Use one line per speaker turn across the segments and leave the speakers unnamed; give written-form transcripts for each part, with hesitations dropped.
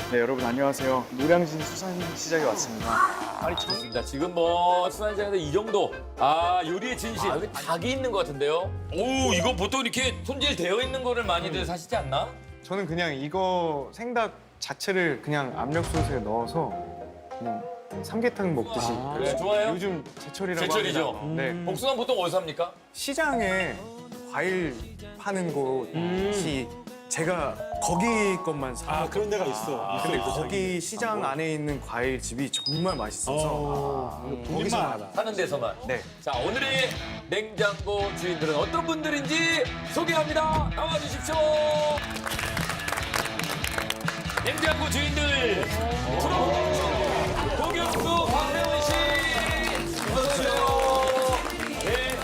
네, 여러분 안녕하세요. 노량진 수산시장에 왔습니다.
아니 좋습니다. 지금 수산시장에서 이 정도 요리의 진실 여기 닭이 있는 것 같은데요. 오 이거 보통 이렇게 손질되어 있는 거를 많이들 사시지 않나?
저는 그냥 이거 생닭 자체를 그냥 압력솥에 넣어서 그냥 삼계탕 먹듯이.
그래 좋아요.
요즘 제철이라고
제철이죠.
합니다. 네.
복숭아 보통 어디서 삽니까?
시장에 과일 파는 곳이 제가 거기 것만 사.
그런 데가 있어.
근데 거기 시장 안에 있는 과일집이 정말 맛있어서
거기서
사는 데서만.
네.
자 오늘의 냉장고 주인들은 어떤 분들인지 소개합니다. 나와주십시오. 냉장고 주인들 프로 도경수 박명훈 씨 어서 오세요. 네.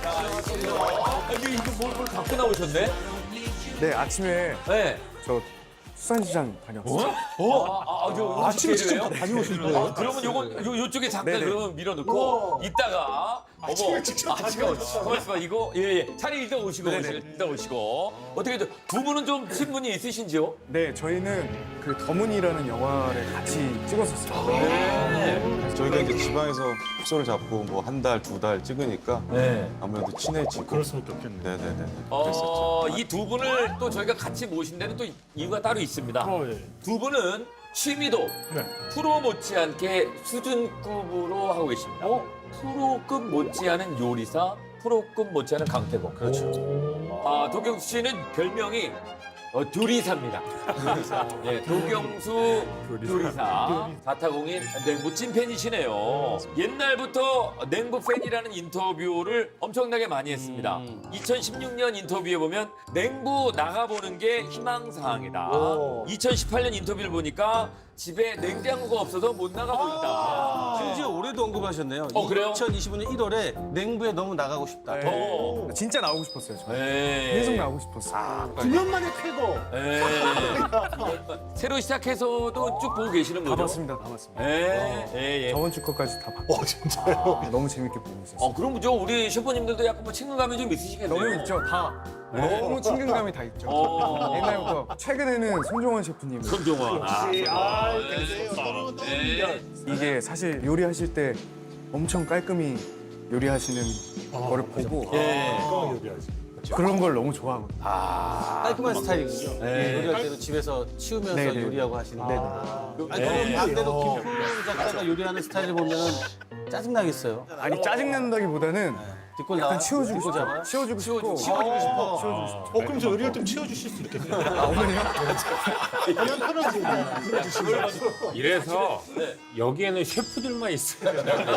자 이거 뭘 갖고 나오셨네?
네, 아침에
네.
저 수산시장 다녀왔어요.
아침에
직접 다녀오신 거예요?
그러면 요쪽에 잠깐
네네.
그러면 밀어놓고 이따가
아침에 직접 다녀오셨어요?
가만있어 이거 예. 차례 일단 오시고
네네.
일단 오시고 어떻게 두 분은 좀 친분이 있으신지요?
네, 저희는 그 더문이라는 영화를 같이 찍었었어요.
네.
저희가 이제 지방에서 숙소를 잡고 뭐 한 달, 두 달 찍으니까
네.
아무래도 친해지고.
그럴 수밖에 없겠네.
네네네. 그랬었죠.
이 두 분을 또 저희가 같이 모신 데는 또 이유가 따로 있습니다.
예.
두 분은 취미도
네.
프로 못지않게 수준급으로 하고 계십니다. 프로급 못지않은 요리사, 프로급 못지않은 강태공. 그렇죠. 도경수 씨는 별명이 두리사입니다. 두리사. 예, 도경수 두리사. 자타공인 냉부 찐팬이시네요. 옛날부터 냉부 팬이라는 인터뷰를 엄청나게 많이 했습니다. 2016년 인터뷰에 보면 냉부 나가보는 게 희망사항이다. 2018년 인터뷰를 보니까 집에 냉장고가 없어서 못 나가보인다.
심지어 올해도 언급하셨네요.
그래요?
2025년 1월에 냉부에 너무 나가고 싶다.
어.
진짜 나오고 싶었어요, 저.
네.
계속 나오고 싶었어요.
9년 만에 쾌거.
네. 새로 시작해서도 쭉 보고 계시는
다
거죠?
봤습니다, 다 봤습니다.
예, 예, 예.
저번 주 것까지 다 봤고
진짜요?
너무 재밌게 보고 있었어요.
그럼 그죠? 우리 셰프님들도 약간 친근감이 좀 있으시겠네요.
너무 있죠, 다. 너무 친근감이 다 있죠. 옛날부터 최근에는 손종원 셰프님.
손종원.
이게 사실 요리하실 때 엄청 깔끔히 요리하시는 거를 보고 그런 걸 너무 좋아하거든요.
깔끔한 스타일이군요. 요리할 때도 집에서 치우면서
네네.
요리하고 하시는 데.
네네.
아니, 그럼 반대로 김풍 작가가 요리하는 스타일을 보면은 짜증나겠어요.
아니 짜증난다기보다는
뒷골
약간
나와?
치워주고
뒷골
싶어.
잡아요?
치워주고 싶고.
치워주고 싶어.
치워주고 싶어.
그럼 저 요리할 좀 치워주실 수 있겠네요.
어머니요?
그냥 편하지.
이래서 여기에는 셰프들만 있어요.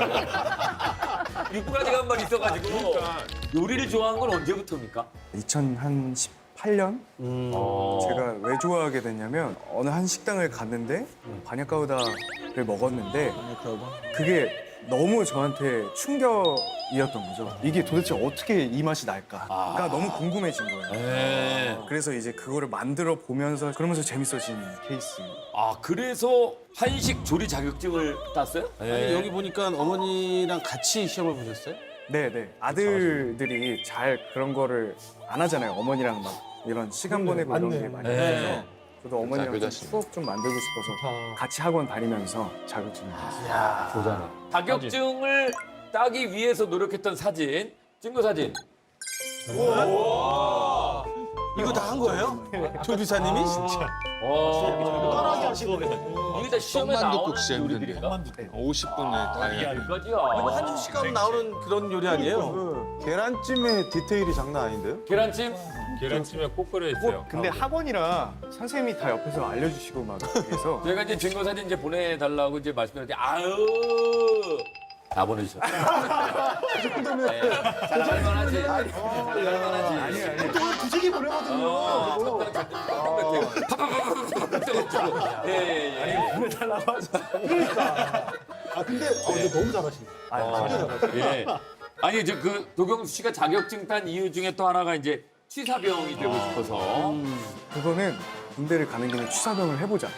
6가지가 한 번 있어가지고 요리를 좋아한 건 언제부터입니까?
2018년 제가 왜 좋아하게 됐냐면 어느 한 식당을 갔는데 바냐카우다를 먹었는데 그게 너무 저한테 충격이었던 거죠. 이게 도대체 어떻게 이 맛이 날까가 너무 궁금해진 거예요. 그래서 이제 그거를 만들어 보면서 그러면서 재밌어진 케이스입니다.
그래서 한식 조리 자격증을 땄어요?
아니, 여기 보니까 어머니랑 같이 시험을 보셨어요?
네네. 아들들이 잘 그런 거를 안 하잖아요. 어머니랑 막 이런 시간 보내고 이런 게 많이
네.
있어서 저도 어머니랑 좀 추억 좀 만들고 싶어서 같이 학원 다니면서 자격증을 땄어요.
자격증을 따기 위해서 노력했던 사진, 증거 사진.
이거 다 한 거예요? 조리사님이? 진짜.
편하게 하시고.
이게 다 시험에 나오는 요리들인가?
50분에 다 해야 돼.
이거지요.
한 시간 나오는 그런 요리 아니에요?
계란찜의 디테일이 장난 아닌데요?
계란찜?
계란찜에 꼭 끓여 있어요.
근데 학원이라 선생님이 다 옆에서 알려주시고 막 해서
제가 이제 증거 사진 이제 보내달라고 이제 말씀드렸는데 다 보내주셨어요. 이 정도면 잘만하지. 잘만하지.
아니.
두지기 보내거든요.
예.
보내달라고 하지.
근데 너무 잘하시네.
예. 아니 이제 그 도경수 씨가 자격증 딴 이유 중에 또 하나가 이제 취사병이 되고 싶어서.
그거는 군대를 가는 김에 취사병을 해보자.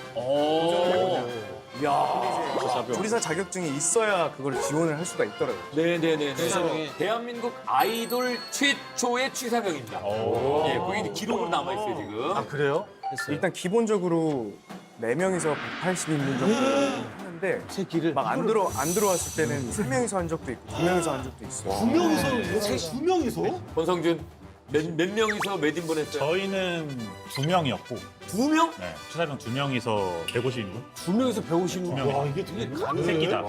조리사 자격증이 있어야 그걸 지원을 할 수가 있더라고요.
네네네.
취사병이.
대한민국 아이돌 최초의 취사병입니다. 예, 그게 이제 기록으로 남아 있어요 지금.
그래요? 했어요.
일단 기본적으로 4명이서 180인분 정도 했는데
새 길을
막 안 들어왔을 때는 3명이서 한 적도 있고 2명이서 한 적도 있어요.
두 명이서 두 명이서?
권성준 몇 명이서 몇 인분 했어요?
저희는 2명이었고,
2명?
네, 추사병 2명이서 150인분?
2명이서 150명.
와 이게 되게
한 새끼다.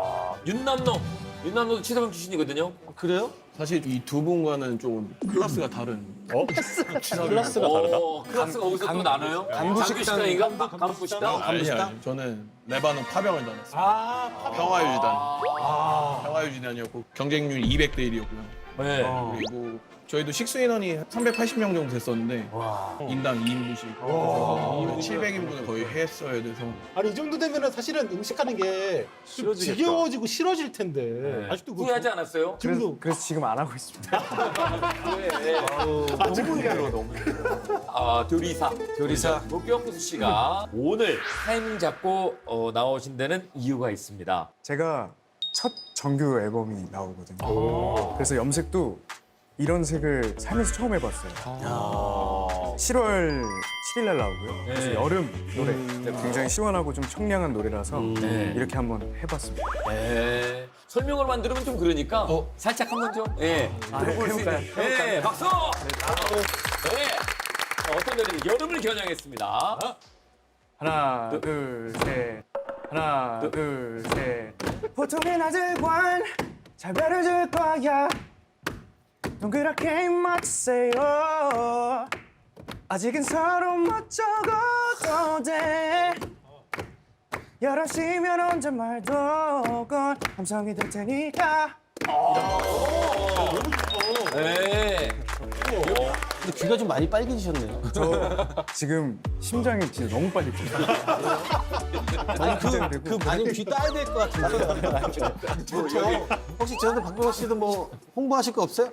윤남노도 치사병 출신이거든요.
그래요?
사실 이 두 분과는 좀 클래스가 다른.
클래스가 다르다?
클래스가 거기서 또 나눠요? 간부식당인가? 간부식당?
아니, 저는 레바논 파병을 다녔어요. 평화유지단. 평화유지단이었고 경쟁률 200대 1이었고요.
네.
그리고 저희도 식수 인원이 380명 정도 됐었는데 인당 2인분씩 700인분을 거의 했어야 돼서
아니 이 정도 되면은 사실은 음식하는 게 좀 지겨워지고 싫어질 텐데 아직도 그거
후회하지 않았어요?
지금도
그래서 지금 안 하고 있습니다.
교리사 도경수 씨가 오늘 타이밍 잡고 나오신 데는 이유가 있습니다.
제가 첫 정규 앨범이 나오거든요. 그래서 염색도 이런 색을 살면서 처음 해봤어요. 7월 7일 날 나오고요. 그래서
네.
여름 노래 굉장히 시원하고 좀 청량한 노래라서
네.
이렇게 한번 해봤습니다.
네. 설명을 만들면 좀 그러니까 살짝 한번 좀 들어볼 수 있는 네, 박수! 네. 어떤 노래인지 여름을 겨냥했습니다.
하나, 둘, 셋. 하나, 둘, 셋. 보통의 낮을관 잘 배려줄 거야. 동그랗게 맞추세요. 아직은 서로 멋쩍어도 돼. 11시면 언제 말도 건 감성이 될 테니까.
네.
근데 귀가 좀 많이 빨개지셨네요.
저 지금 심장이 진짜 너무 빨리 뛰어요.
아니 아니면 귀 따야 될 것 같은데. 혹시 저한테 박병호 씨도 뭐 홍보하실 거 없어요?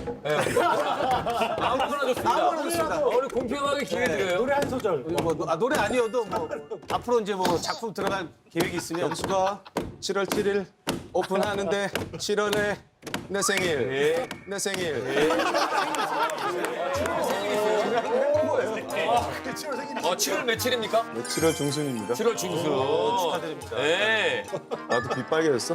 아무거나 좋습니다. 우리 공평하게 기회 드려요.
노래 한 소절.
뭐 노래 아니어도 뭐 앞으로 이제 뭐 작품 들어갈 계획이 있으면
영수가 7월 7일 오픈하는데 7월에 내 생일. 내 생일.
7월 며칠입니까?
7월 중순입니다.
7월 중순. 축하드립니다. 네.
나도 귀 빨개졌어?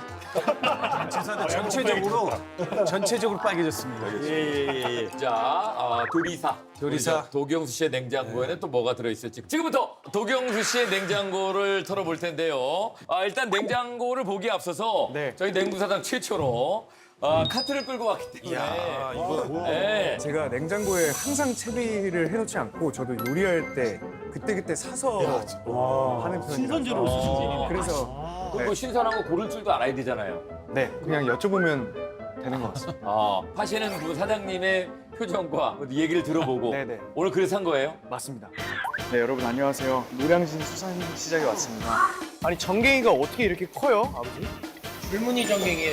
전체적으로 빨개졌습니다.
자, 도리사. 도경수 씨의 냉장고에는 또 뭐가 들어있을지. 지금부터 도경수 씨의 냉장고를 털어볼 텐데요. 일단 냉장고를 보기에 앞서서
네.
저희 냉부사장 최초로 카트를 끌고 왔기 때문에. 네.
제가 냉장고에 항상 채비를 해놓지 않고 저도 요리할 때 그때그때 사서 하는 편이라서
신선재료 쓰시지.
그래서
그리고 신선한 거 고를 줄도 알아야 되잖아요.
네 그냥 여쭤보면 되는 것 같습니다.
하시는 그 사장님의 표정과 얘기를 들어보고
네네.
오늘 그래서 산 거예요?
맞습니다. 네 여러분 안녕하세요. 노량진 수산시장에 왔습니다. 아니 전갱이가 어떻게 이렇게 커요, 아버지?
줄무늬 전갱이.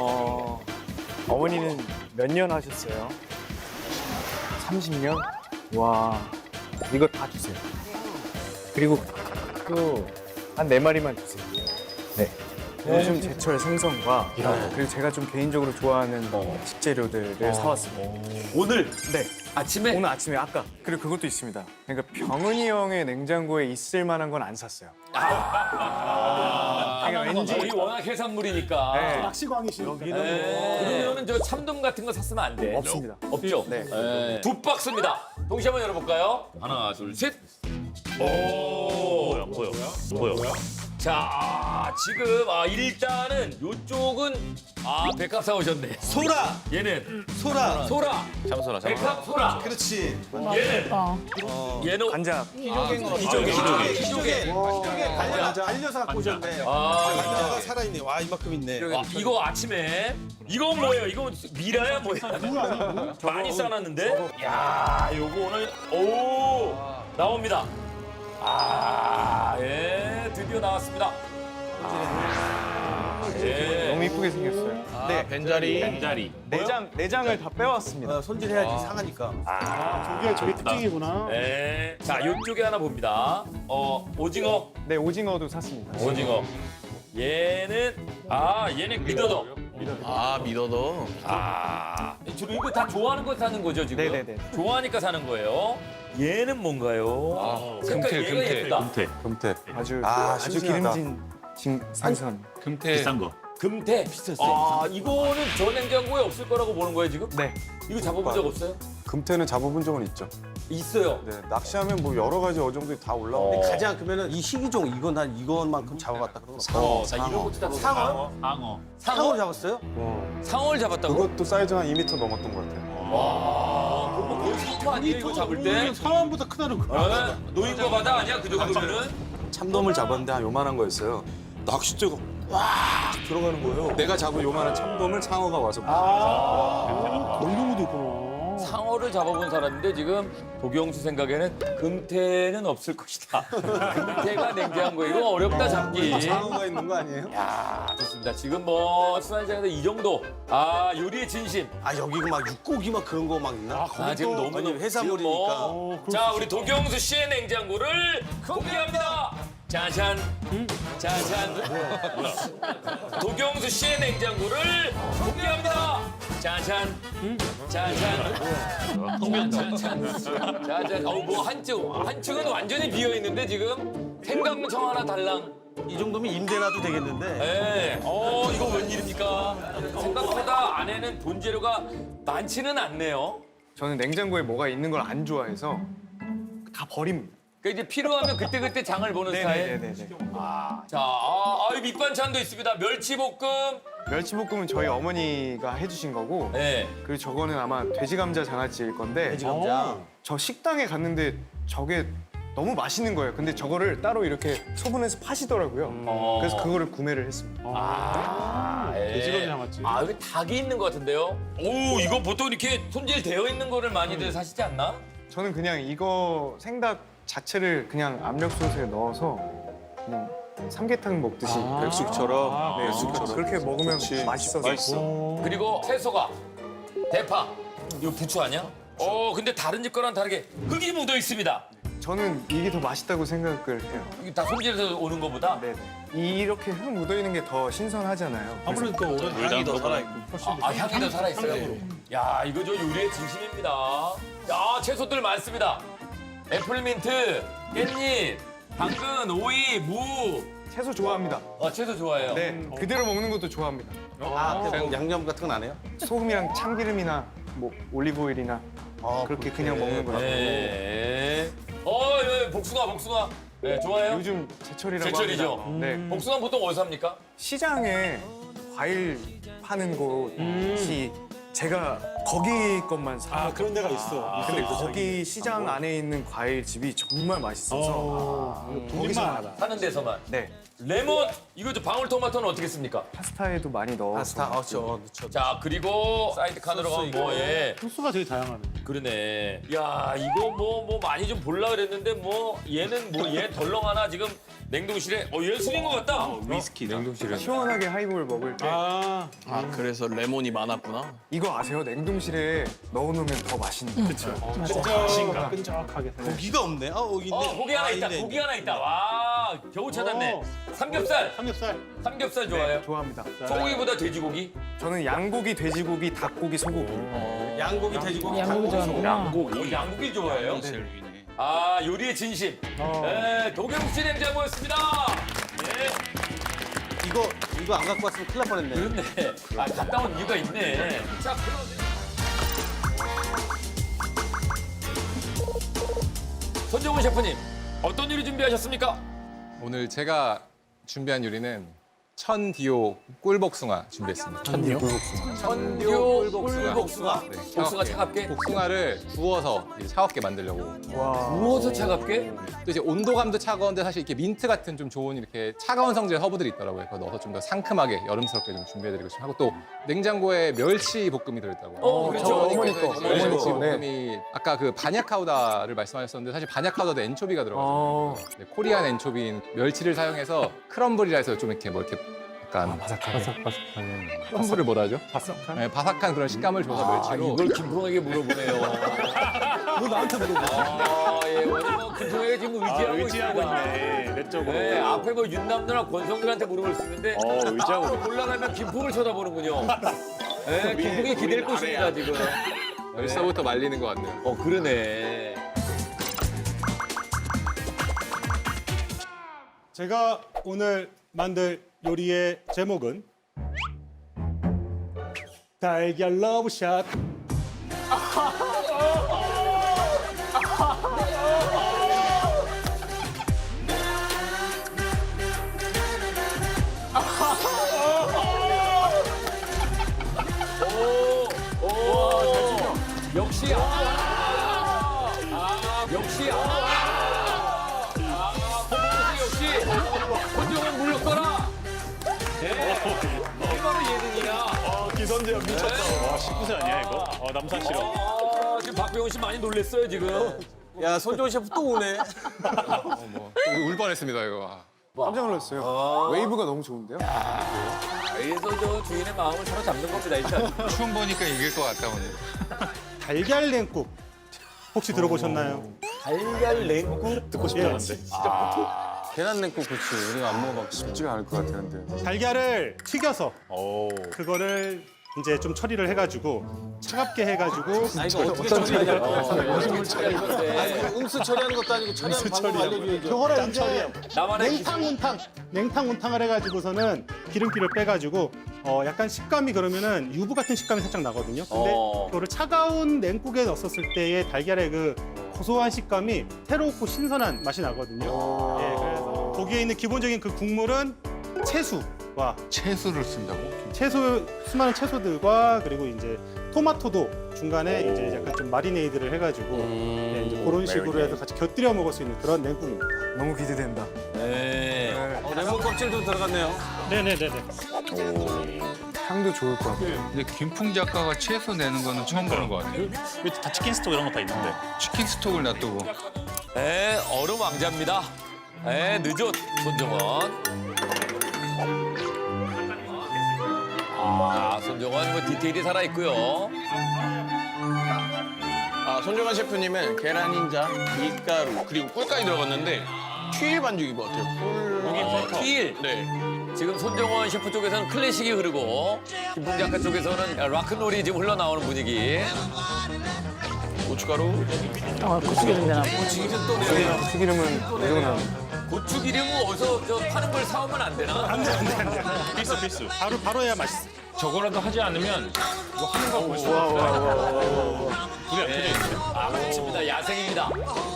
어머니는 몇 년 하셨어요? 30년? 와 이거 다 주세요. 그리고 또 한 4마리만 주세요. 네. 요즘 제철 생선과 그리고 제가 좀 개인적으로 좋아하는 식재료들을 사왔습니다.
오늘
네.
아침에
오늘 아침에 아까 그리고 그것도 있습니다. 그러니까 병은이 형의 냉장고에 있을 만한 건 안 샀어요. 그러니까 왠지
우리 워낙 해산물이니까.
네.
낚시광이시니까.
그러면은 저 참돔 같은 거 샀으면 안 돼.
없습니다.
없죠?
네.
두 박스입니다. 동시에 한번 열어볼까요? 하나, 둘, 셋. 오.
뭐야?
자, 지금 일단은 요쪽은 백합 사오셨네.
소라,
얘는
소라.
소라.
잠소라,
백합 소라.
그렇지.
얘는
간장.
기조개.
달려서 갖고 오셨네.
가 살아있네. 와 이만큼 있네.
이거 아침에 이건 뭐예요? 이거 미라야 뭐야? 많이 싸놨는데? 야, 요거 오늘 나옵니다. 예, 드디어 나왔습니다. 예.
너무 이쁘게 생겼어요.
네 벤자리.
벤자리.
내장을 다 빼왔습니다.
손질해야지 상하니까.
저게 저희 특징이구나.
네. 자, 요쪽에 하나 봅니다. 오징어.
네 오징어도 샀습니다.
오징어. 얘는 얘는 미더덕.
미더더.
주로 이거 다 좋아하는 거 사는 거죠 지금?
네네네.
좋아하니까 사는 거예요. 얘는 뭔가요? 색깔 얘가 예쁘다.
금태.
금태.
아주 아주
싱싱하다.
기름진 생선.
금태.
비싼 거.
금태 비쌌어. 이거는 저 냉장고에 없을 거라고 보는 거예요 지금?
네.
이거 잡아본 적 없어요?
금태는 잡아본 적은 있죠.
있어요.
네, 낚시하면 뭐 여러 가지 어종들이 다 올라오고.
가장 그러면은 이 희귀종 이건 난 이것만큼 잡아봤다 그런 거.
자 이런 것도 다
상어?
상어.
상어 잡았어요?
상어를 잡았다고?
그것도 사이즈가 한 2m 넘었던 것 같아요.
그럼 뭐 거의 상어 아니에요 이거 잡을 때?
상황보다 크다는 거야.
어? 노인과 바다 아니야 그 정도면은?
참돔을 잡았는데 한 요만한 거였어요. 낚싯대가 와 들어가는 거예요. 내가 잡은 요만한 참돔을 상어가 와서
그런 경우도 있구나.
상어를 잡아본 사람인데 지금 도경수 생각에는 금태는 없을 것이다. 금태가 냉장고에 이거 어렵다 잡기.
상어가 있는 거 아니에요?
야 좋습니다. 지금 뭐 수산시장에서 이 정도 요리의 진심.
아 여기 막 육고기 막 그런 거 막 있나?
지금 너무
아니 해산물이니까.
자 우리 도경수 씨의 냉장고를 공개합니다. 짜잔, 짜잔. 도경수 씨의 냉장고를 공개합니다. 짜잔, 짜잔, 짜잔, 짜잔. 뭐 한층은 완전히 비어 있는데 지금 생강청 하나 달랑.
이 정도면 임대라도 되겠는데.
네. 이거 웬일입니까? 생각보다 안에는 본재료가 많지는 않네요.
저는 냉장고에 뭐가 있는 걸 안 좋아해서 다 버립니다.
그러니까 이제 필요하면 그때그때 장을 보는 스타일.
네네네.
자, 이 밑반찬도 있습니다. 멸치볶음.
멸치볶음은 저희 어머니가 해주신 거고,
네.
그리고 저거는 아마 돼지 감자 장아찌일 건데,
돼지 감자.
저 식당에 갔는데 저게 너무 맛있는 거예요. 근데 저거를 따로 이렇게 소분해서 파시더라고요. 그래서 그거를 구매를 했습니다.
돼지고기 남았지.
여기 닭이 있는 것 같은데요? 오, 이거 보통 이렇게 손질 되어 있는 거를 많이들 사시지 않나?
저는 그냥 이거 생닭 자체를 그냥 압력솥에 넣어서 그냥 삼계탕 먹듯이
백숙처럼.
네,
백숙처럼.
그렇게 먹으면
그렇지.
맛있어서.
그리고 채소가 대파. 이거 부추 아니야? 근데 다른 집 거랑 다르게 흙이 묻어 있습니다.
저는 이게 더 맛있다고 생각을 해요.
이게 다 손질해서 오는 거보다?
네네. 이렇게 흙 묻어 있는 게 더 신선하잖아요. 그래서
아무래도 또 오래
향이 더 살아있고.
향이 더 살아있어요? 야, 이거 저 요리의 진심입니다. 야, 채소들 많습니다. 애플민트, 깻잎, 당근, 오이, 무.
채소 좋아합니다.
채소 좋아해요.
네, 그대로 먹는 것도 좋아합니다.
그냥 양념 같은 건 안 해요?
소금이랑 참기름이나 뭐 올리브 오일이나 그렇게 그냥 먹는 거라고.
네. 복숭아. 네, 좋아해요?
요즘 제철이라고
제철이죠?
합니다. 네,
복숭아 보통 어디서 삽니까?
시장에 과일 파는 곳이 제가 거기 것만 사.
그런 데가 있어.
근데 거기 시장 안에 있는 과일집이 정말 맛있어서 거기서
알아.
사는 데서만.
네,
레몬, 이거 저 방울토마토는 어떻게 씁니까?
파스타에도 많이 넣어서
파스타. 넣죠.
자, 그리고 사이드 칸으로 가면 예.
소스가 되게 다양하네.
그러네. 야, 이거 뭐 많이 좀 볼라 그랬는데 얘는 얘 덜렁 하나 지금 냉동실에 얘 술인 것 같다.
위스키다. 냉동실에.
시원하게 하이볼 먹을 때
그래서 레몬이 많았구나.
이거 아세요? 냉동실에 넣어놓으면 더 맛있는 거.
끈적하게.
고기가 없네. 여기 있네.
고기 하나 있다.
있네.
고기 하나 있다. 와, 겨우 찾았네. 삼겹살. 삼겹살 좋아해요?
좋아합니다.
소고기보다 돼지고기?
저는 양고기, 돼지고기, 닭고기, 소고기.
양고기, 돼지고기,
양고기 좋아하는구나.
양고기 좋아해요? 요리의 진심. 네, 도경수 냉장고였습니다. 예.
이거 안 갖고 왔으면 큰일 날 뻔했네.
그렇네. 갔다 온 이유가 있네. 자, 손정훈 셰프님, 어떤 요리 준비하셨습니까?
오늘 제가 준비한 요리는 천디오 꿀복숭아 준비했습니다.
천디오 꿀복숭아.
네,
복숭아 차갑게?
복숭아를 구워서 이제 차갑게 만들려고.
구워서 차갑게?
또 이제 온도감도 차가운데 사실 이렇게 민트 같은 좀 좋은 이렇게 차가운 성질의 허브들이 있더라고요. 그거 넣어서 좀 더 상큼하게 여름스럽게 좀 준비해드리고 싶고 하고 또 냉장고에 멸치 볶음이 들어있다고.
그렇죠.
어머니 거.
멸치
어머니 거. 네.
볶음이 아까 그 바냐카우다를 말씀하셨었는데 사실 바냐카우다도 엔초비가 들어가요. 네, 코리안 엔초비인 멸치를 사용해서 크럼블이라 해서 좀 이렇게 뭐 이렇게 약간
바삭바삭하네.
크럼블을 뭐라 하죠?
바삭한?
네, 바삭한 그런 식감을 줘서 멸치로
이걸 김풍에게 물어보네요.
너 나한테 물어봐.
예, 오늘 김풍에게 지금 의지하고 있습니다.
있네. 내적으로.
네, 앞에 뭐 윤남누나 권성들한테 물어볼 수 있는데
의지하고
올라가면 김풍을 쳐다보는군요. 네, 김풍이 기댈 곳입니다 지금.
벌써부터 말리는 것 같네요.
그러네.
제가 오늘 만들 요리의 제목은 달걀 러브샷.
역시 역시 역시 권정은 물러서라. 이게 바로 예능이야.
기선제압 미쳤다. 와, 19세 아니야 이거? 남산 싫어.
지금 박병훈 씨 많이 놀랬어요 지금.
야, 손정은 셰프 또 오네.
울 뻔했습니다 이거.
깜짝 놀랐어요. 웨이브가 너무 좋은데요?
그래서 저 주인의 마음을 사로잡는 겁니다 일단.
춤 보니까 이길 것 같다 오늘.
달걀 냉국 혹시 들어보셨나요?
달걀 냉국
듣고 싶지 않은데.
계란 냉국 그치. 우리가 안 먹어봤지.
쉽지가 않을 것 같았는데.
달걀을 튀겨서 그거를 이제 좀 처리를 해가지고 차갑게 해가지고
아, 이거 어떻게 처리하냐.
처리하는데
음수 처리하는 것도 아니고 처리하는 방법 알려줘야죠.
그거를 이제
나만의
냉탕 운탕을 해가지고서는 기름기를 빼가지고 약간 식감이 그러면은 유부 같은 식감이 살짝 나거든요. 근데 그거를 차가운 냉국에 넣었을 때의 달걀의 그 고소한 식감이 새롭고 신선한 맛이 나거든요. 예, 그래서 거기에 있는 기본적인 그 국물은 채수와
채소를 쓴다고?
수많은 채소들과 그리고 이제 토마토도 중간에 이제 약간 좀 마리네이드를 해가지고 예, 이제 그런 식으로 해서 같이 곁들여 먹을 수 있는 그런 냉국입니다.
너무 기대된다.
네.
레몬 껍질도 들어갔네요.
네네네네.
향도 좋을 것 같아요.
근데 김풍 작가가 채소 내는 거는 처음 보는 것 같아요.
다 치킨 스톡 이런 거 다 있는데.
치킨 스톡을 놔두고.
네, 얼음 왕자입니다. 네, 늦었 손정원. 손정원 뭐 디테일이 살아 있고요.
손정환 셰프님은 계란 흰자, 밀가루 그리고 꿀까지 들어갔는데 튀일 반죽인 것 같아요.
튀일.
네.
지금 손정원 셰프 쪽에서는 클래식이 흐르고 김풍 작가 쪽에서는 락큰롤이 지금 흘러나오는 분위기.
고춧가루.
튀기름은 무조건
고추기름은 어디서 저 파는 걸 사오면 안 되나?
안돼.
필수.
바로 해야 맛있어.
저거라도 하지 않으면 이거 하는 거 볼 수가 없어요. 불이 안 켜져 있어요.
그렇습니다. 야생입니다.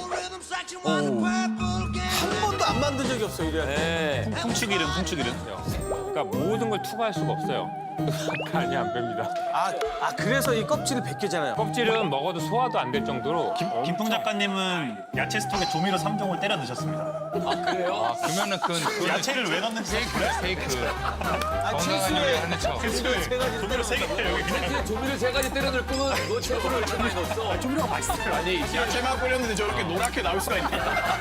한 번도 안 만든 적이 없어, 이래.
네.
풍추기름. 그러니까 모든 걸 투과할 수가 없어요. 간이 안 뺍니다.
그래서 이 껍질을 벗겨잖아요.
껍질은 먹어도 소화도 안 될 정도로
김풍 작가님은 야채 스톡에 조미료 3종을 때려 넣으셨습니다.
그래요?
그러면은 그건
야채를 왜 넣는지
페이크. 건강한 요리 하는 척.
조미료 3개 여기 그냥
조미료 3가지 때려 넣을 거면 너 채소를 이렇게 많이 넣었어. 조미료가 맛있어요. 아니,
야채만 뿌렸는데 저렇게 노랗게 나올 수가 있네.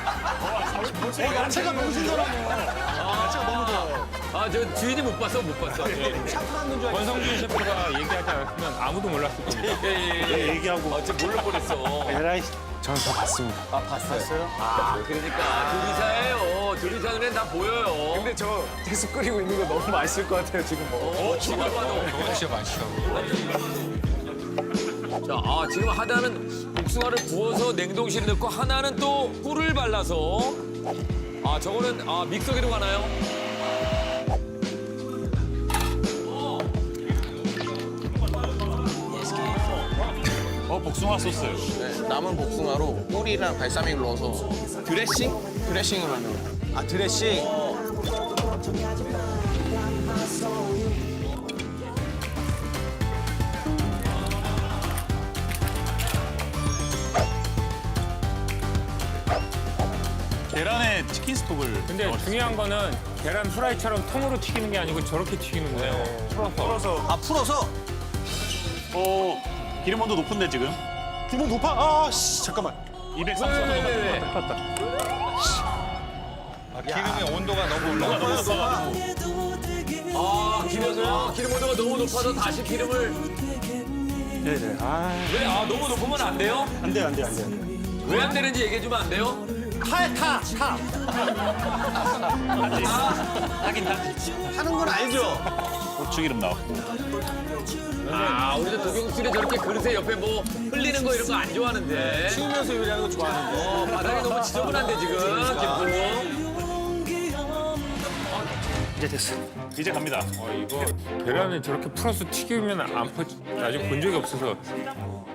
야채가 너무 신선하네요. 야채가 너무 좋아요.
저 주인이 못 봤어.
권성준 셰프가 얘기하지 않았으면 아무도 몰랐을 겁니다.
예.
얘기하고
지금 몰라 버렸어.
에라이
저는 다 봤습니다.
봤어요?
그러니까 조리사예요. 조리사 눈엔 다 보여요.
근데 저 채소 끓이고 있는 거 너무 맛있을 것 같아요 지금.
지금 봐도.
저거 진짜 맛있어.
자, 지금 하나는 복숭아를 부어서 냉동실에 넣고 하나는 또 꿀을 발라서 저거는 믹서기로 가나요?
복숭아 소스.
네, 남은 복숭아로 꿀이랑 발사믹을 넣어서 드레싱을 만들어요.
드레싱.
계란에 치킨 스톡을.
근데 중요한 거는 계란 후라이처럼 통으로 튀기는 게 아니고 저렇게 튀기는 거예요. 풀어서.
풀어서?
기름 온도 높은데 지금?
기본 높아? 잠깐만.
230도 높았다.
기름의 온도가 너무 올라가.
기름 온도가 너무 높아서 다시 기름을.
네네.
왜? 너무 높으면 안 돼요?
안 돼.
왜 안 되는지 얘기해 주면 안 돼요?
타.
하는 건 알죠?
고추기름 나왔고.
아, 우리도 도경수는 저렇게 그릇에 옆에 뭐 흘리는 거 이런 거 안 좋아하는데.
치우면서 요리하는 거 좋아하는데.
바닥이 너무 지저분한데 지금 김풍.
이제 됐어. 이제 갑니다.
이거 계란을 저렇게 풀어서 튀기면 안 퍼지. 아직 본 적이 없어서